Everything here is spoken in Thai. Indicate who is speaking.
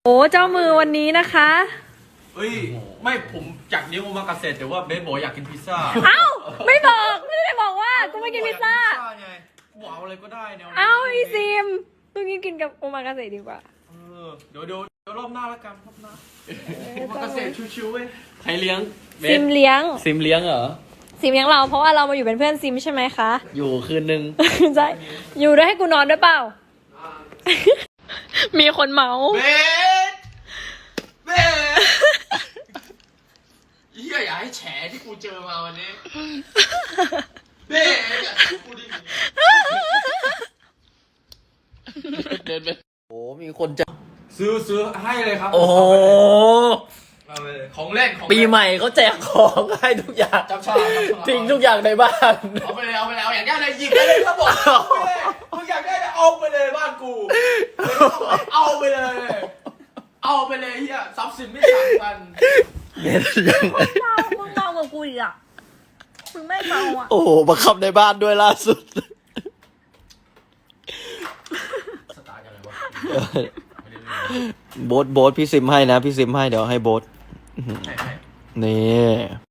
Speaker 1: โอ้เจ้ามือวันนี้นะคะ
Speaker 2: เฮ้ยไม่ผมอยากเลี้ยงโอมากาเสะแต่ว่าเบสบอกอยากกินพิซซ่า
Speaker 1: เอ้าไม่บอกไม่ได้บอกว่าจะไม่กินพิซซ่า
Speaker 2: ไงกูเอาอะไรก็ได้แนวนี้
Speaker 1: เอ้าอีซิมตรงนี้กินกับโอมากาเสะดีกว่า
Speaker 2: เดี๋ยวรอบหน้าแล้วกันรอบหน้าโอมากาเสะชิวๆเว้ย
Speaker 3: ใครเลี้ยงเบ
Speaker 1: ซิ
Speaker 3: ส
Speaker 1: มเลี้ยง
Speaker 3: ซิมเลี้ยงเหรอ
Speaker 1: ซิมเลี้ยงเราเพราะว่าเรามาอยู่เป็นเพื่อนซิมใช่ไหมคะ
Speaker 3: อยู่คืนนึง
Speaker 1: ใช่อยู่ด้วยให้กูนอนด้วยเปล่า มีคนเมา
Speaker 2: เบสเบสเฮียอย่าให้แฉที่กูเจอมาวันนี้เบสอย่าทำกูดิ
Speaker 3: เดินไปโอ้มีคนจะ
Speaker 2: ซื้อให้เลยครับ
Speaker 3: โอ้โห
Speaker 2: เอาไปเลยของเล่นของ
Speaker 3: ปีใหม่เขาแจกของให้ทุกอย่าง
Speaker 2: จับฉลาก
Speaker 3: ทิ้งทุกอย่างในบ้าน
Speaker 2: เอาไปเลยเอาอยากได้อะไรหยิบได้เลยครับผมมึงอยากได้อะไรเอาไปเลยบ้านกูเอาไปเลยเฮียทรัพย์สินไม่ต่างกัน
Speaker 3: เบสยัง
Speaker 1: มึงเมากับกูอีกอ่ะมึงไม่เมาอ่ะ
Speaker 3: โอ้โหมาขับในบ้านด้วยล่าสุด
Speaker 2: สตาร์ทกันเลยวะ
Speaker 3: โบ๊ทพี่ซิมให้นะพี่ซิมให้เดี๋ยวให้โบ๊ท
Speaker 2: ใช่
Speaker 3: นี่